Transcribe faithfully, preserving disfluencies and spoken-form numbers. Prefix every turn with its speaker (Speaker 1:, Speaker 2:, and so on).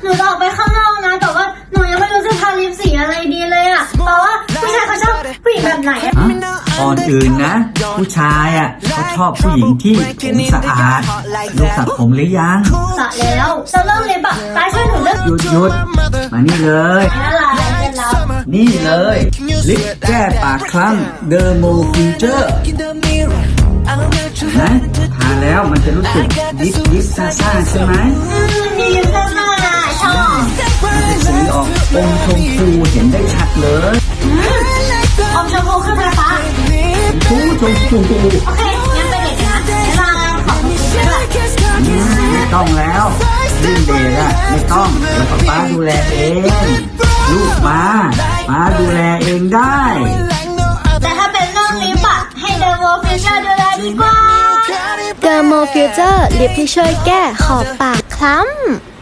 Speaker 1: นูจะออกไปข้างนอกนะแต่ว่าหนูยังไม่รู้จะทาลิปสีอะไรดีเลยอ่ะเพราะว่าผู้ชายเขาชอบผู้หญิงแบบไหนอะ
Speaker 2: ฮะก่อนอื่นนะ ผู้ชายอ่ะเขาชอบผู้หญิงที่ผมสะอาดลูกสระผมหรือยัง
Speaker 1: สระแล้วจะเริ่มลิปอ่ะตาช่วยหนูเลือก
Speaker 2: หยุดหยุดมานี่เลย
Speaker 1: อะไรเป็นแล้ว
Speaker 2: นี่เลยลิปแก้ปากคล้ำเดอร์โมฟิวเจอร์นะทาแล้วมันจะรู้สึกยิบยิบซ่าซ่าใช่ไหม
Speaker 1: อืมมีลิปซ่าๆชอบ
Speaker 2: สีออกอมชมพูเห็นได้ชัดเลย
Speaker 1: อืมอมชมพูคือไฟฟ้า
Speaker 2: ชมพูชมพู
Speaker 1: โอเคงั้นไปเด็กนะเวลาขอบคุณด้วย
Speaker 2: อืมไม่ต้องแล้วลื่นเดชอะไม่ต้องเดี๋ยวป๊าป๊าดูแลเองลูกป๊าป๊าดูแลเองได้
Speaker 1: แต่ถ้าเป็นเรื่องลิปอะให้เดอะโวฟิชเชอร์ดูแลดีกว่า
Speaker 3: เดอร์โมฟิวเจอร์ลิปที่ช่วยแก้ขอบปากคล้ำ